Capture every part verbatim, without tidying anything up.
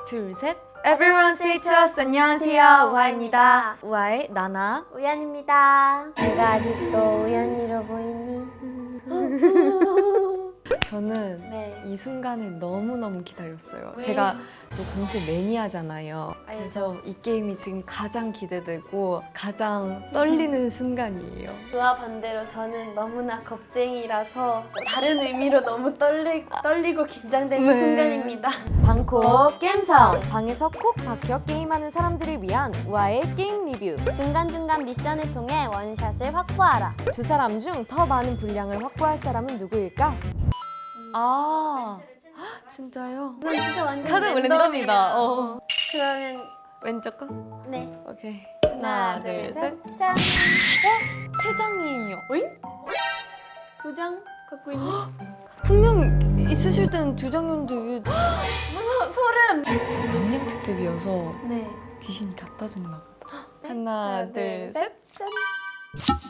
둘, 셋. Everyone say to us. 안녕하세요, 우아입니다. 우아의 나나. 우연입니다. 내가 아직도 우연이로 보이니? 저는 네. 이 순간을 너무너무 기다렸어요. 왜? 제가 또 공포 매니아잖아요. 그래서 이 게임이 지금 가장 기대되고 가장 떨리는 순간이에요. 그와 반대로 저는 너무나 겁쟁이라서 다른 의미로 너무 떨리, 떨리고 긴장되는 네. 순간입니다. 방콕 게임성! 방에서 콕 박혀 게임하는 사람들을 위한 우아의 게임 리뷰. 중간중간 미션을 통해 원샷을 확보하라. 두 사람 중 더 많은 분량을 확보할 사람은 누구일까? 아, 헉, 진짜요? 이건 진짜 완전 카드 랜덤이다. 어. 그러면 왼쪽 거? 네. 오케이. 하나, 하나, 둘, 셋. 짠! 세 장이에요. 두 장 갖고 있니? 분명 있으실 때는 두 장이었는데 왜 무서워, 소름! 남양 특집이어서 네. 귀신이 갖다 줬나 보다. 하나, 둘, 셋. 짠!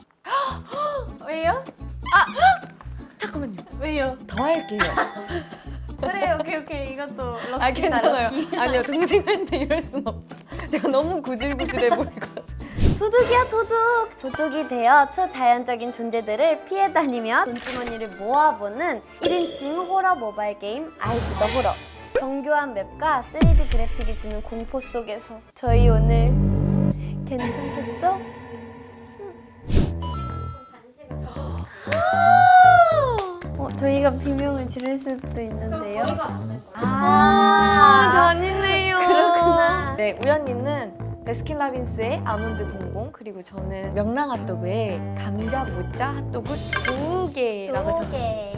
왜요? 잠깐만요. 왜요? 더 할게요. 그래, 오케이, 오케이. 이것도 럭키다, 아, 괜찮아요. 럭키. 아니요, 동생한테 이럴 순 없다. 제가 너무 구질구질해 보일 것 같아. 도둑이야, 도둑! 도둑이 되어 초자연적인 존재들을 피해 다니며 돈주머니를 모아보는 일 인칭 호러 모바일 게임 아이즈 더 호러. 정교한 맵과 쓰리디 그래픽이 주는 공포 속에서 저희 오늘 괜찮겠죠? 어, 저희가 비명을 지를 수도 있는데요. 아, 잔인해요. 그렇구나. 네, 우연이는 베스킨라빈스의 아몬드 봉봉, 그리고 저는 명랑 핫도그의 감자 모짜 핫도그 두 개라고 두 적었어요. 개.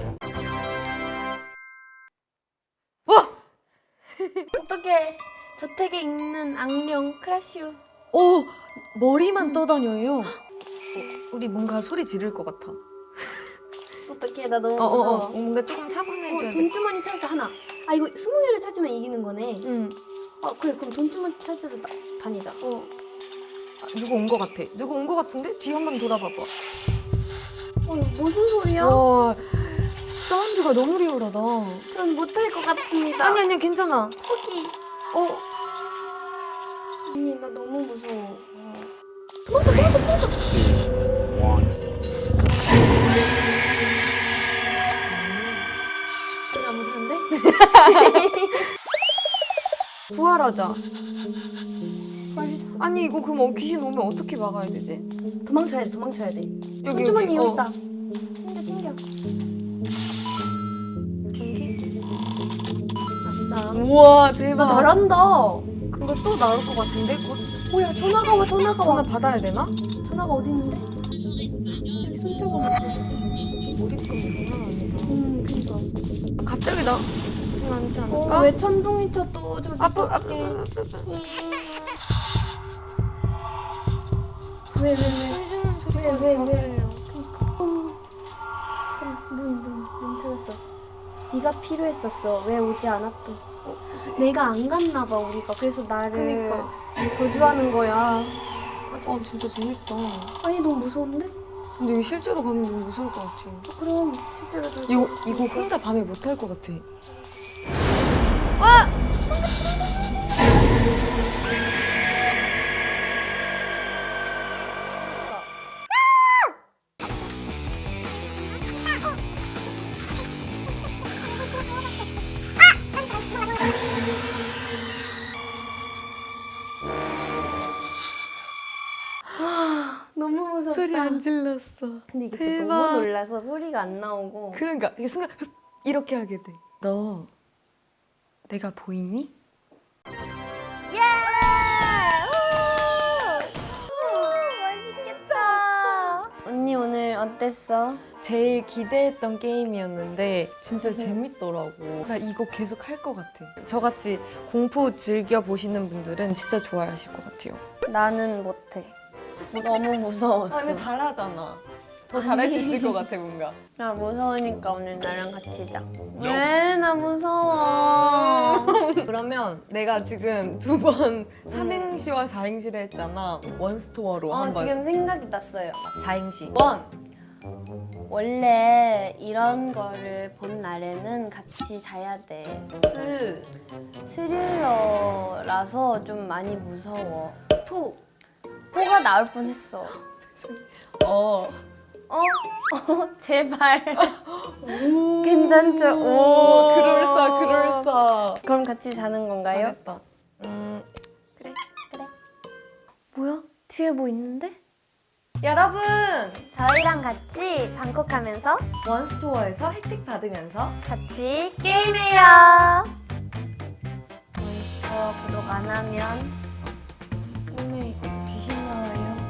와! 어떻게 저택에 있는 악령 크라슈. 오! 머리만 떠다녀요. 어, 우리 뭔가 소리 지를 것 같아. 어떡해, 나 너무 어, 어, 무서워. 어, 뭔가 조금 차분해져야 어, 돼. 돈주머니 찾았어, 하나. 아, 이거 스무 개를 찾으면 이기는 거네. 응. 아, 그래, 그럼 돈주머니 찾으러 다, 다니자. 어. 아, 누구 온 것 같아. 누구 온 것 같은데? 뒤 한 번 돌아봐봐. 어, 이거 무슨 소리야? 와, 사운드가 너무 리얼하다. 전 못할 것 같습니다. 아니, 아니야, 괜찮아. 포기. 어, 언니, 나 너무 무서워. 도망쳐, 도망쳐, 도망쳐. 나 무서운데? 부활하자. 빨리했어. 아니, 이거 그럼 귀신 오면 어떻게 막아야 되지? 도망쳐야 돼, 도망쳐야 돼. 여기, 돈주머니 여기, 여기 어. 있다. 챙겨, 챙겨. 여기? 아싸. 우와, 대박. 너 잘한다. 그거 또 나올 것 같은데? 곧 뭐야, 전화가 와, 전화가 전화 와. 받아야 되나? 전화가 어디 있는데? 여기 손자가 있어. 몰입감 장난 아니다. 음, 그니까. 갑자기 나진 않지 않을까? 어, 왜 천둥이 쳐 또 저기 앞으로, 어떡해. 앞으로, 앞으로. 왜, 왜, 왜? 숨 쉬는 소리가 왜, 왜, 다 왜? 들려. 그니까. 어. 잠깐만, 눈, 눈, 눈 찾았어. 네가 필요했었어. 왜 오지 않았던? 어, 무슨- 내가 안 갔나 봐, 우리가. 그래서 나를 그니까. 저주하는 거야. 아, 진짜 재밌다. 아니, 너무 무서운데? 근데 이거 실제로 가면 너무 무서울 것 같아. 어, 그럼 실제로 저 이거, 이거 혼자 밤에 못 할 것 같아. 너무 무섭다. 소리 안 질렀어. 근데 이게 진짜 대박. 너무 놀라서 소리가 안 나오고. 그러니까 이 순간 흡, 이렇게 하게 돼. 너 내가 보이니? 예! 맛있겠다. 언니 오늘 어땠어? 제일 기대했던 게임이었는데 진짜 음. 재밌더라고. 나 이거 계속 할 것 같아. 저같이 공포 즐겨 보시는 분들은 진짜 좋아하실 것 같아요. 나는 못해. 너무 무서웠어. 아, 근데 잘하잖아. 더 잘할 수 있을 것 같아 뭔가. 나 무서우니까 오늘 나랑 같이 자. 왜? 나 무서워. 그러면 내가 지금 두 번 삼행시와 사행시를 했잖아. 원스토어로 어, 한번. 지금 생각이 났어요. 사행시. 원, 원래 이런 거를 본 날에는 같이 자야 돼. 스, 스릴러라서 좀 많이 무서워. 토, 호가 나올 뻔했어. 어. 어? 어? 제발. 괜찮죠? 오, 그럴싸, 그럴싸. 그럼 같이 자는 건가요? 잘했다. 음, 그래. 그래. 뭐야? 뒤에 뭐 있는데? 여러분, 저희랑 같이 방콕하면서 원스토어에서 혜택 받으면서 같이 게임해요. 몬스터 구독 안 하면 꿈에 귀신 나와요.